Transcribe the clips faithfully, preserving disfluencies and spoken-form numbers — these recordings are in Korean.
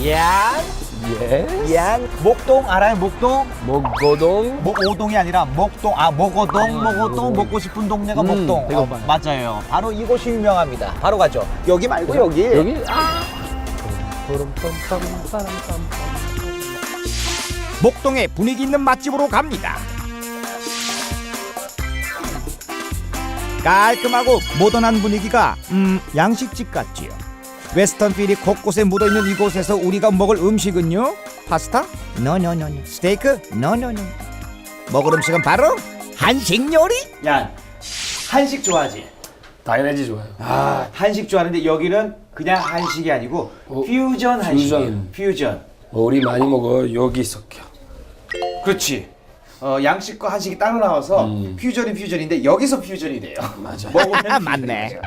양, 예. 양. 목동 알아요? 목동? 목고동. 목오동이 아니라 목동. 아, 목오동, 목오동. 먹고 싶은 동네가 음, 목동. 배고파요. 어, 맞아요. 바로 이곳이 유명합니다. 바로 가죠. 여기 말고 여기. 여기? 아. 목동의 분위기 있는 맛집으로 갑니다. 깔끔하고 모던한 분위기가 음 양식집 같지요. 웨스턴 필이 곳곳에 묻어있는 이곳에서 우리가 먹을 음식은요, 파스타? 노노노노. 스테이크? 노노노. 먹을 음식은 바로 한식 요리. 야, 한식 좋아하지? 당연하지 좋아요. 아, 한식 좋아하는데 여기는 그냥 한식이 아니고 어, 퓨전 한식이에요. 퓨전. 퓨전. 우리 많이 먹어 여기 섞여. 그렇지. 어, 양식과 한식이 따로 나와서 음. 퓨전이 퓨전인데 여기서 퓨전이 돼요. 맞아. 먹으면 맞네. 퓨전이죠.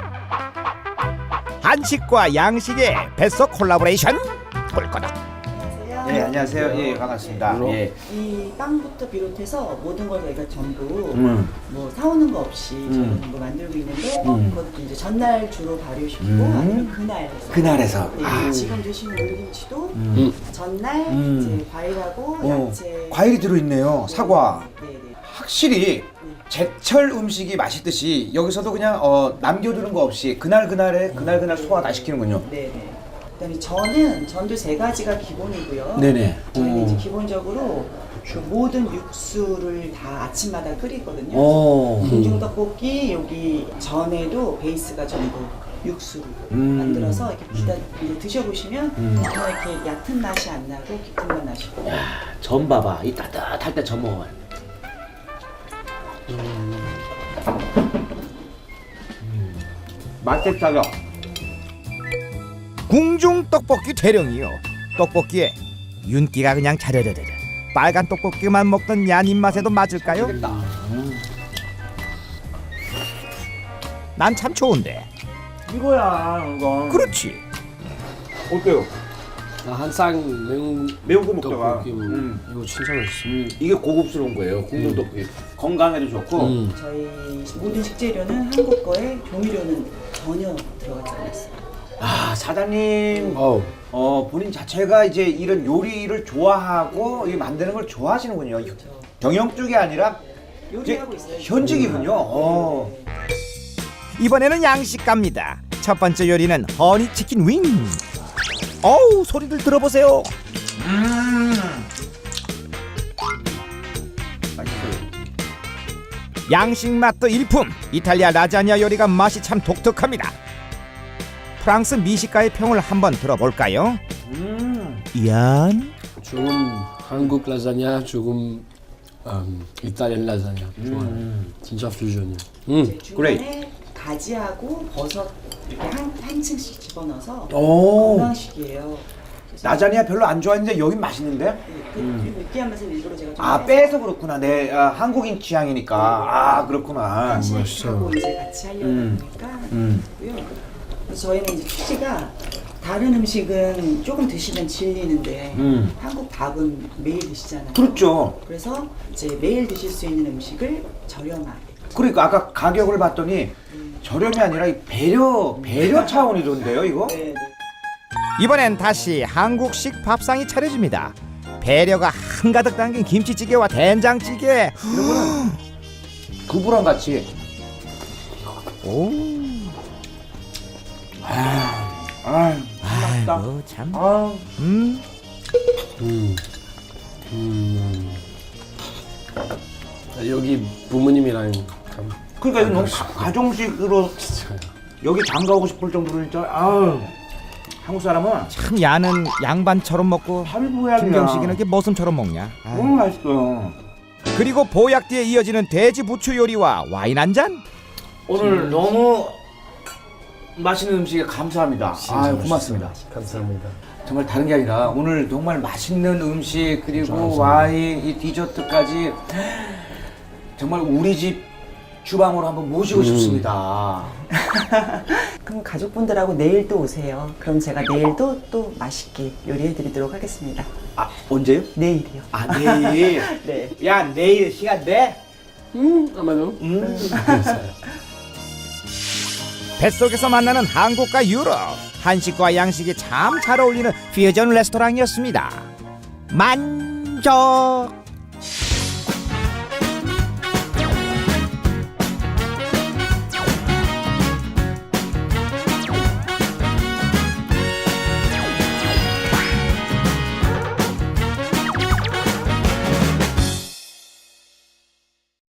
한식과 양식의 뱃속 콜라보레이션 볼 거다. 안녕하세요. 네, 안녕하세요. 예, 반갑습니다. 물론. 예. 이 빵부터 비롯해서 모든 걸 저희가 전부 음. 뭐 사오는 거 없이 음. 저희는 뭐 만들고 있는데 음. 그것도 이제 전날 주로 발효시키고 음. 아니면 그날 해서. 그날에서. 네, 아. 지금 드시는 오리김치도 음. 전날 음. 이제 과일하고 어, 야채 과일이 들어있네요. 네, 사과. 네, 네. 확실히 제철 음식이 맛있듯이 여기서도 그냥 어, 남겨두는 거 없이 그날 그날에 그날 그날 소화 다 시키는군요. 네, 네. 그다음에 전은 전도 세 가지가 기본이고요. 네네. 저희는 이제 어. 기본적으로 그 모든 육수를 다 아침마다 끓이거든요. 어. 궁중 떡볶이 여기 전에도 베이스가 전부 육수로 음. 만들어서 이렇게 기다 이제 드셔보시면 음. 정말 이렇게 얕은 맛이 안 나고 깊은 맛 나시고. 전 봐봐. 이 따뜻할 때 전 먹어요. 맛있다요. 궁중 떡볶이 대령이요. 떡볶이에 윤기가 그냥 자르르르. 빨간 떡볶이만 먹던 얀 입맛에도 맞을까요? 난 참 좋은데. 이거야, 이거. 그렇지. 어때요? 나 한상 매운 매운 거 먹다가. 떡볶이 뭐 음. 이거 진짜 맛있어. 음, 이게 고급스러운 거예요. 궁중 떡볶이. 건강에도 좋고. 음. 저희 모든 식재료는 한국 거에 조미료는 전혀 들어가지 않았어요. 아, 사장님. 어우. 어, 본인 자체가 이제 이런 요리를 좋아하고 이 만드는 걸 좋아하시는군요. 경영 쪽이 아니라 요리하고 이제 있어요. 현직이군요. 어. 이번에는 양식 갑니다. 첫 번째 요리는 허니 치킨 윙. 어우, 소리들 들어보세요. 음. 맛있어요. 양식 맛도 일품. 이탈리아 라자냐 요리가 맛이 참 독특합니다. 프랑스 미식가의 평을 한번 들어볼까요? 음. 이안? 조금 한국 라자냐, 조금 음, 이탈리안 라자냐. 좋아요. 음. 진짜 퓨전이야. 음. 이제 중간에 가지하고 버섯 이렇게 한, 한 층씩 집어넣어서 오. 건강식이에요. 그래서 라자냐 별로 안 좋아했는데 여긴 맛있는데? 네, 그, 그리고 느끼한 맛을 일부러 제가 좀 아, 빼서 그렇구나. 내 아, 한국인 취향이니까. 아, 그렇구나. 한식하고 이제 같이 하려다 음. 보니까 음. 고요. 그래서 저희는 이제 취지가 다른 음식은 조금 드시면 질리는데 음. 한국 밥은 매일 드시잖아요. 그렇죠. 그래서 이제 매일 드실 수 있는 음식을 저렴하게. 그러니까 아까 가격을 봤더니 저렴이 아니라 이 배려 배려 차원이던데요, 이거? 네, 네. 이번엔 다시 한국식 밥상이 차려집니다. 배려가 한가득 담긴 김치찌개와 된장찌개. 두부랑 같이. 오, 아, 맛있다. 아이고 참. 아, 음, 음. 음. 여기 부모님이랑 참 그러니까 이거 너무 가, 가정식으로 진짜요. 여기 장가오고 싶을 정도로 진짜 아, 한국 사람은 참 야는 양반처럼 먹고 할부야 김경식이는 그냥. 이렇게 머슴처럼 먹냐. 아유. 너무 맛있어요. 그리고 보약 뒤에 이어지는 돼지 부추 요리와 와인 한 잔. 오늘 너무 맛있는 음식에 감사합니다. 아, 고맙습니다. 감사합니다. 정말 다른 게 아니라 오늘 정말 맛있는 음식 그리고 감사합니다. 와인, 이 디저트까지 정말 우리 집 주방으로 한번 모시고 음. 싶습니다. 그럼 가족분들하고 내일 또 오세요. 그럼 제가 내일도 또 맛있게 요리해 드리도록 하겠습니다. 아, 언제요? 내일이요. 아, 내일. 네. 야, 내일 시간 돼? 음, 아마도. 음. 뱃속에서 만나는 한국과 유럽. 한식과 양식이 참 잘 어울리는 퓨전 레스토랑이었습니다. 만족!